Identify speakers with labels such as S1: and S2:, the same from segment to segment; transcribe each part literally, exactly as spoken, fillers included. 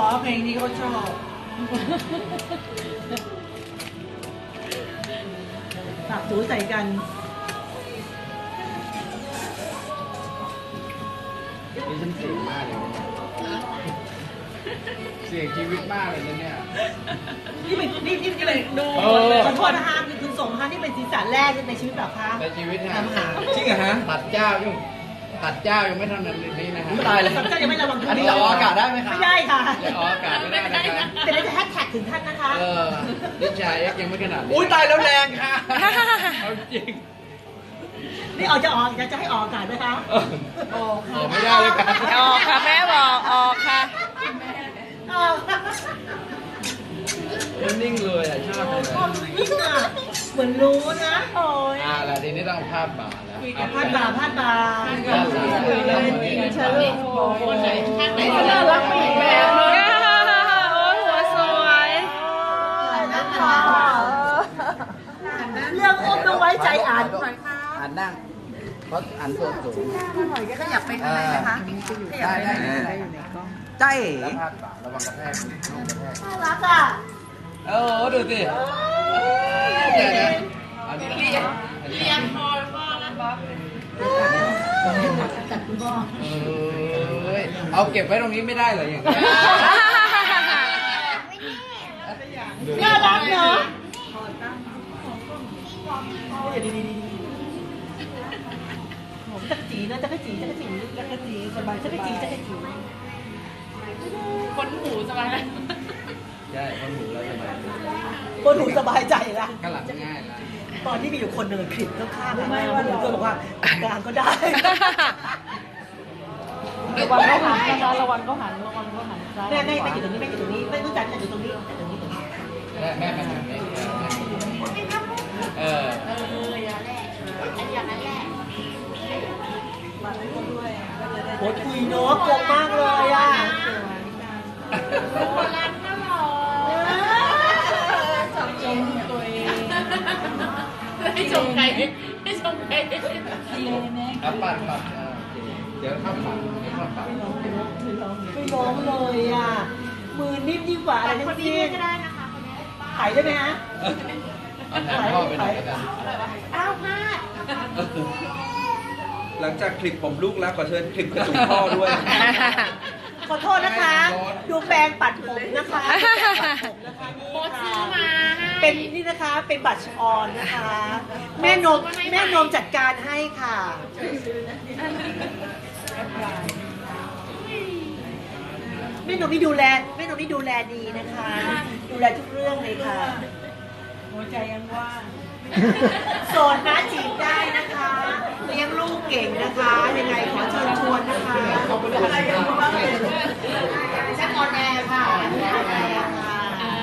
S1: เพลงนี้เขาชอบตักถูใส่กัน
S2: นี่ฉันเสียงมากเลยเสียงชีวิตมากเลยนะเนี่ย
S1: นี่เป็นนี่นี่เป็นดูขอโทษนะคะคือส่งมานี่เป็นสีสันแรกในชีวิตแบบคะ
S2: ในชีวิตนะ
S3: จริงเหรอฮะ
S2: ตัดเจ้ายุ่งตัดเจ้ายังไม่ทำนั้นนี้นะฮะ
S3: ตายเลย
S1: เจ้ายังไม่ระวัง
S3: อันนี้ออกอากาศได้ไหมคะ
S1: ไม่ได้ค่ะ
S2: ออกอากาศไม่ได้นะคะ
S1: แต่เราจะแฮชแท็กถึงท่านนะคะ
S2: เออดิชายเอ็กยังไม่ขนาด
S3: อุ้ยตายแล้วแรงค่ะ
S2: เอาจริง
S1: นี่ออกจะออกจะจะให้ออกอากาศไหมคะ
S2: ออกค่ะไม่ได้เลยค่ะ
S4: ออกค่ะแม่บอกออกค่ะ
S2: นิ่งเลยอ่ะชอบเลย
S1: นิ่งอ่ะเหมือนรู้นะโอ้ย
S2: อ่าแล้วทีนี้ต้องพาดบ่าแล้ว
S1: พาดบ่าพาดบ่า
S4: เชิญเลยคนไหนข้างไหนก็น่ารักไปอีกแบบนึงโอ้หัวสวย
S1: เรื่องอุ้มต้องไว้ใจอ่าน
S2: อ่านนั่งเพราะอ่านตัวสูง
S4: ขยับไปข้างในไหมคะ
S2: ได้ได้ได้
S3: ใจ
S2: แล้วพาดบ่าระวังกระแทกลูกกระแทก
S1: น่ารักอ่ะ
S2: โอ้ดูสิเดี๋ยวนะอันนี้เรียนเรียนพอพ่อนะบ๊อบ
S1: จัดคุณพ่อ
S2: เอ้ยเอาเก็บไว้ตรงนี้ไม่ได้เหรออย่างนี้
S1: น่ารักเนาะจักรจีนะจักรจีจักรจีจักรจีสบายจักรจีจักรจี
S4: คนหูสบายไหม
S2: ใช่คนหูแล้วสบาย
S1: คนหูสบายใจละ
S2: ก็หลับง่ายละ
S1: ตอนที่มีอยู่คนหนึ่งคลิปข้างๆไม่ว่าหนูก็บอกว่ากลางก็ได้
S4: ระวังเขาหันนะคะระวังเขาหันระวังเขาหันซ้าย
S1: แม่แม่ไม่อยู่ตรงนี้แม่อยู่ตรงนี้ไม่รู้จักแต่อยู่ตรงนี้แต่ตรงนี้ตรงนี้
S2: แม่แม่มาทางนี้เออ
S4: เอออย่าแหละอย่างนั้นแหละ
S1: โอ้ยคุยเนาะกลมมากเลยอ่ะ
S4: โบราณน่าหล่อชมชมตัวเองให้ชมใครให้ชมใครดีเลยแม่
S2: อ่ะปัดปัดเดี๋ยวเข้าปัดเดี๋ยวเข้าปัด
S1: ไม่ร้องเลยอ่ะมือนิ่มยิ่งกว่าอะไรทั้งสิ้น
S4: ก็ได้นะคะคนนี้
S1: ถ่ายได้ไหมฮะ
S2: ถ่ายพ่อไปหน่อยกัน
S4: อ้าวพลาด
S3: หลังจากคลิปผมลูกแล้วขอเชิญคลิปกระจุกพ่อด้วย
S1: ขอโทษนะคะดูแปรงปัดผมนะคะ
S4: โพสซื้อมา
S1: เป็นนี่นะคะเป็นบัตรออนนะคะแม่นมแม่นมจัดการให้ค่ะแม่นมนี่ดูแลแม่นมนี่ดูแลดีนะคะดูแลทุกเรื่องเลยค่ะหัวใจยังว่างโสดนะจีบได้นะคะเลี้ยงลูกเก่งนะคะยังไงขอเชิญชวนนะคะชักออนแอร์ค่ะออนแอร์ค่ะ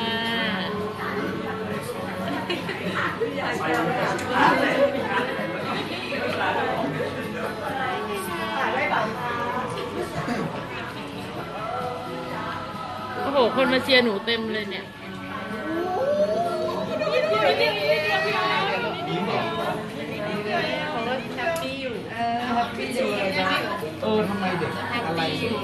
S4: โอ้โหคนมาเชียร์หนูเต็มเลยเนี่ย
S2: เออทำไมเด็กอะไร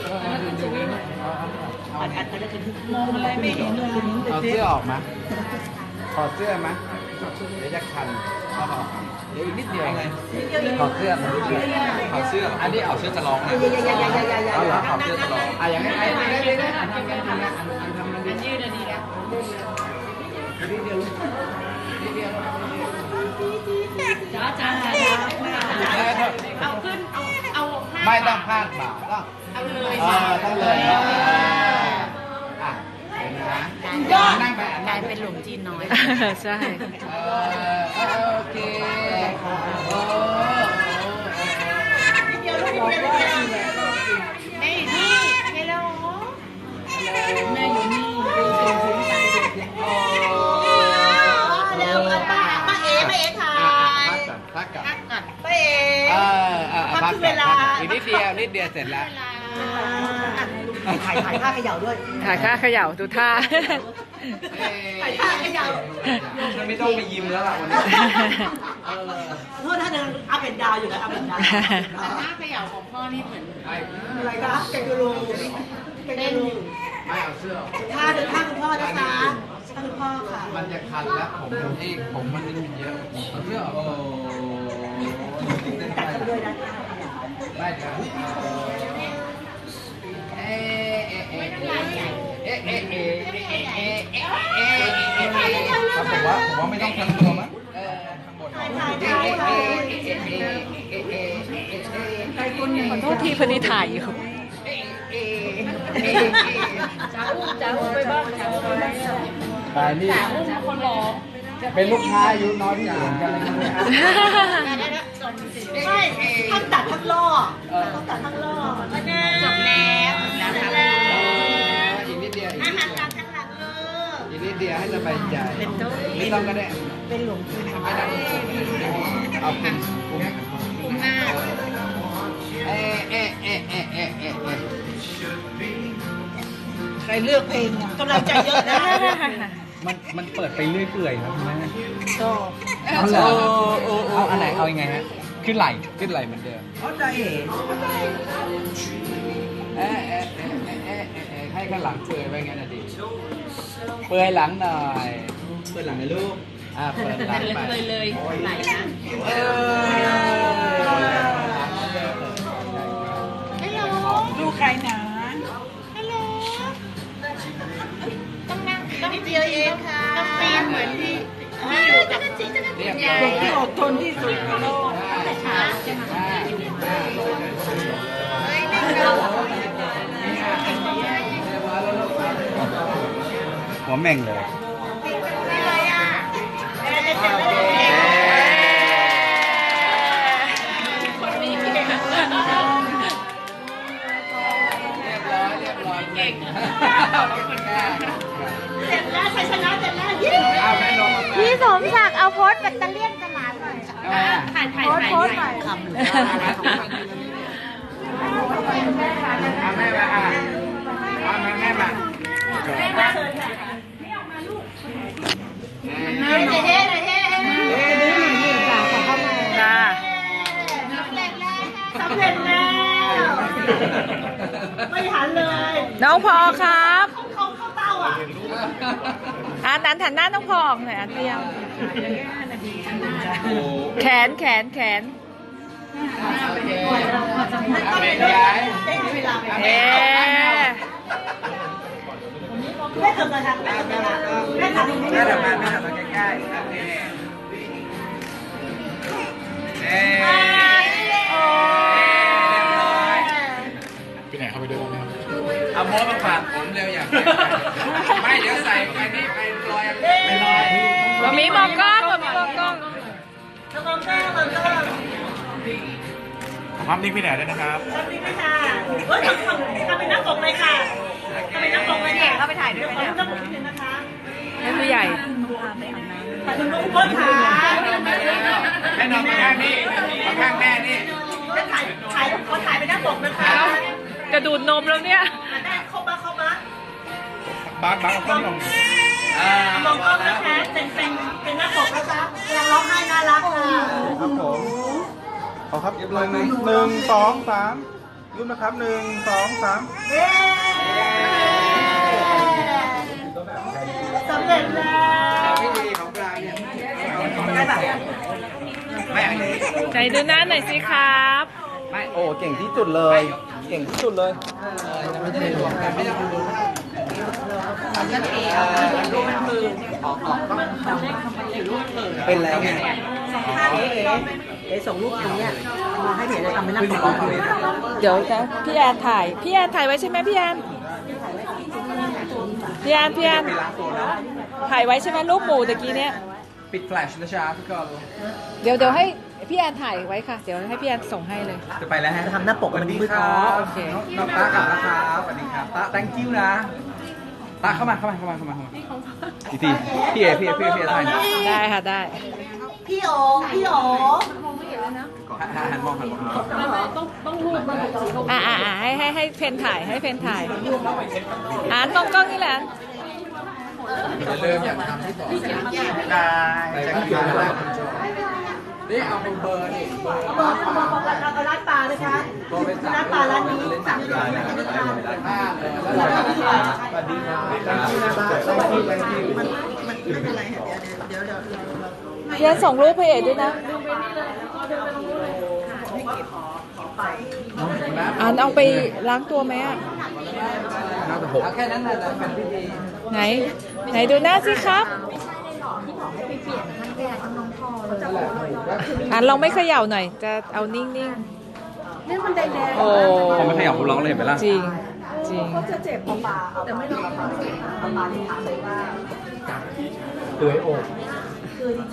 S1: มองอะไรไม่เห็นเลย
S2: เอาเสื้อออกมาถอดเสื้อไหมเดี๋ยวจะคันเอาออกเดี๋ยวอีกนิดเดียวไงถอดเสื้อ
S3: ถอดเสื้ออันนี้เอาเสื้อจะร้องนะ
S2: เอาเหรอถอดเสื้อจะร้องอ่ะอย่างนี้ไอ้ได้ได้ได้ทำกันทำกันทำกัน
S4: ยืดอันนี้นะ
S2: นิดเดียวนิดเดียว
S4: จ้าจ้าเอาขึ้นเอาเอา
S2: ไม่ต้องพลาดบ่าต้อง
S4: เอาเลย
S2: ต้องเลยอ่ะนั่งไป
S4: กลายเป็นหลุมจีนน้อยใช่
S2: โอเคโอ้
S4: แม่อยู่นี่ฮัลโหลแม่อยู่นี่
S1: เดี๋ยวป้าป้าเอ๋ป้าเอ๋ถ่าย
S2: พักก่อนพักก่อน
S1: ป้าเอ๋
S2: เออเออพักเวลาอีกนิดเดียวนิดเดียวเสร็จแล้ว
S1: ถ่ายถ่ายท่าเขย่าด้วย
S4: ถ่ายท่าเขย่าดูท่า
S1: ถ่ายท่าเขย่า
S3: ไม่ต้องไปยิ้มแล้วล่ะวันนี้
S1: โทษท่านนึงอัพเป็นดาวอยู่นะอัพเป็นดาว
S4: ท่าเขย่าของพ่อนี่เหมือน
S1: อะไรคะแกงกูรูแกงกูรู
S2: ไม่เอา
S1: ท่าเดินท่าคุณพ่อนะคะท่าคุณพ่อค่ะ
S2: มันจะคันแล้วผมที่ผมมันนี่มันเยอะถอดเสื้อโอ้
S1: จัดกันด้วยนะคะ
S2: ได้ครับเอ๊ะเอ๊ะเอ๊ะเอ๊ะเอ๊ะเอ๊ะเอ๊ะเอ๊ะเอ๊ะเอ๊ะเอ๊ะเอ๊ะ
S3: ผมว่าผมว่าไม่ต้องทั้งตัวมั้ง
S2: เออ
S3: ข้างบน
S1: ถ่ายถ่ายถ่ายถ่าย
S4: ขอโทษทีพอดีถ่ายอยู่จ้าอุ้มจ้าอุ้มไปบ้างจ้าอุ้มไปบ้าง
S2: ตายนี่
S4: คนรอ
S2: เป็นลูกค้าอายุน้อยที่สุดเหมือนกันเลยนะ
S1: ใช่ทั้งตัดทั้งล่อทั้งตัดทั้งล่อจบแล้วจบแล้ว
S2: อีกนิดเดียวอีก
S1: อา
S2: นิด
S1: หาร
S2: เดียว
S1: ตามข้างหลังเลย
S2: อีกนิดเดียวให้สบายใจไม่ต้องก็ได้
S1: เป็นหลวงปู่
S2: ไม่ต้องเอาคุณคุณ
S1: คุ้มมาก
S2: เอ๊ะเอ๊ะเอ๊ะเอ๊ะเอ๊ะเอ๊ะเอ๊ะ
S1: ใครเลือกเพลงกำลังใจเยอะนะ
S3: มันมันเปิดไปเรื่อยเปื่อยครับแม่
S1: ก็
S3: เอาเหรอเอาอันไหนเอายังไงฮะขึ้นไหลขึ้นไหลเหมือนเดิม
S1: เข้าใจเห็น
S2: เอ๊ะเอ๊ะเอ๊ะเอ๊ะเอ๊ะเอ๊ะให้ข้างหลังเปื่อยไปงั้นน่ะดิเปื่อยหลังหน่อย
S3: เปิดหลังในลูก
S2: อ่าเปิดหลังไป
S4: เลยเลยไหลนะ
S2: เออ
S1: ดูใครหนาฮัลโหลต้องนั่งต้องเดียวเองค่ะต้องปีนเหมือนที่ที่อยู่กับ
S2: เรียบ
S1: ยา
S2: ร้อย
S1: ยที่อดทนที่สุดในโลก
S2: แต่ช้าใช่ไหม
S3: หัวแม่งเลย
S4: คนนี้เก่ง
S2: เรียบร้อยเรียบร้อยเก่ง
S1: เสร็จแล้วชัยชนะเสร็จแล้วยิ้ม
S2: เอาแม่ลงมา
S5: พี่สมศักดิ์เอาโพสต์แบตเตอเลี่ยนกับหลานหน่อย
S4: ถ่ายถ่าย
S5: โพสต์
S4: ถ่าย
S5: โพสต์หน่อย
S1: คำเลย
S2: เอาแม่มาอ่ะเอาแม่แม่มา
S1: เฮ้ยเฮ้ยเฮ้ยเฮ้ย
S4: จ้า
S1: สำเร็จแล้วไม่หันเลย
S4: น้องพอครับ
S1: เข้าเข้าเต้าอ่ะ
S4: อ่านนั้นหันหน้าน้องพอออกหน่อยอันเดียว
S3: โอ้
S4: แขนแขนแขน
S2: เอาแม่ย้าย
S1: ได้เวลาไป
S4: เอ๊ะ
S1: แม่ทำอะไรคะแม่ทำอะไรแม่ทำ
S2: แม่ทำมาแม่ทำมาใกล้ๆโอเคเอ๊ไปไหนเข้าไปด้วยเอาโม้มาฝากผมเร็วอย่างไม่เดี๋ยวใส่ไปนี่ไปลอยไปลอย
S4: มามีมองกล้องมามีมองกล้อง
S1: ทำมองแก้มองกล้อง
S2: ภาพนิ่งพี่แหนด้วยนะครับ
S1: ทำนี่ไหมค่ะเฮ้ยทำทำทำเป็นหน้าปกเลยค่ะทำเป็นหน้าปกเลยเนี่ยเข้าไปถ่ายด้วยขอรูปหน้าปกนิดนึงนะคะ
S4: ให้ผู้ใหญ่
S1: ถ่ายรูปลูกพ่อขา
S2: ให้นอนมาข้างนี่มาข้างแม่นี่
S1: แล้วถ่ายถ่ายคนถ่ายเป็นหน้าปกนะคะ
S4: กระดูดนมแล้วเนี่ย
S1: ได้เข้ามาเข้ามา
S2: บ้างบ้างต้องลงอ่าม
S1: องกล้องนะคะเป็นเป็นเป็นหน้าปกนะคะกำลังร้องไห้น่ารักค่ะ
S6: ครับผมขอครับหนึ่งหนึ่งสองสามรูปนะครับหนึ่งสองสาม
S1: เย้สำเร็จแล้ว
S2: พิธีของกลางเนี่ย
S1: ได้ปะ
S2: ไม่อันนี้
S4: ไหนดูหน้าหน่อยสิครับ
S2: ไม่
S6: โอ้เก่งที่สุดเลย เก่งที่สุดเลย
S2: ไม่ได้รวมกันไม่ต้องดูทำนั่นเองรูปมันมือออกออกต้องเป็นแล้วไง
S1: เอ๋เอ๋ส่งรูปตรงเนี้ยมาให้เห็นเลยทำเป็นหน้าปกเลย
S4: เดี๋ยวนะพี่แอนถ่าย พี่แอนถ่ายไว้ใช่ไหมพี่แอนพี่แอนพี่แอนถ่ายไว้ใช่ไหมรูปหมูตะกี้เนี่ย
S3: ปิดแฟลชนะจ๊ะทุกคน
S4: เดี๋ยวเดี๋ยวให้พี่แอนถ่ายไว้ค่ะ เดี๋ยวให้พี่แอนส่งให้เลย
S3: จะไปแล้วฮะ
S1: ทำหน้าปกมันมืด
S3: ค
S1: อ๋
S3: รั
S1: อบ
S4: โอเค
S3: น้องตากลับแล้วครับสวัสดีครับตา thank you นะตาเข้ามาเข้ามาเข้ามาเข้ามาเข้ามาอีกทีพี่เอพี่เอพี่เอพี่เอถ่ายหน่อย
S4: ได้ค่ะได้
S1: พี่โอ๋พี่โอ๋
S3: หันมองหันมอง
S4: อ่าอ่าอ่าให้ให้ให้เพนถ่ายให้เพนถ่ายอ่านมองกล้องนี่แหละ
S2: อย่าลืมอย่าทำที่ต่อได้
S3: ไป
S2: จะ
S3: บ้าน
S2: คิว
S3: แล้
S2: แล้ว วนี่เอาเป็นเบอร์นี่เบอร์
S1: เอาเบอร์เอาเบอร์บอกเอาร้านปลาเลยค่ะร้านปลาร้านนี้สั่งได้ไหมไม่ทาน
S2: ห้าเลย
S1: แล้วเราไม่ทาน
S6: สวัสดีครับสวัสดีครับมันมันไม่เป็นไรเดี๋ยวเดี๋ยวเดี๋ยว
S4: เรียนส่งรูปให้เอ๋ด้วยนะอันเอาไปล้างตัวไหมอ่ะ
S3: น่าจะหก
S2: เอาแค่นั้นแหละเป็นพิธี
S4: ไหน ไหนดูหน้าสิครับอันลองไม่เขย่าหน่อย จะเอานิ่งๆนี่มันแดงๆโอ้
S3: พอไม่ขยับคุณร้องเลยเห็นไหมล่ะ
S4: จริง จริง
S1: จะเจ็บปลาปลาแต่ไม่ต้องปลาปลาที่ถามเลยว่า
S6: เตยโอบ
S1: คือ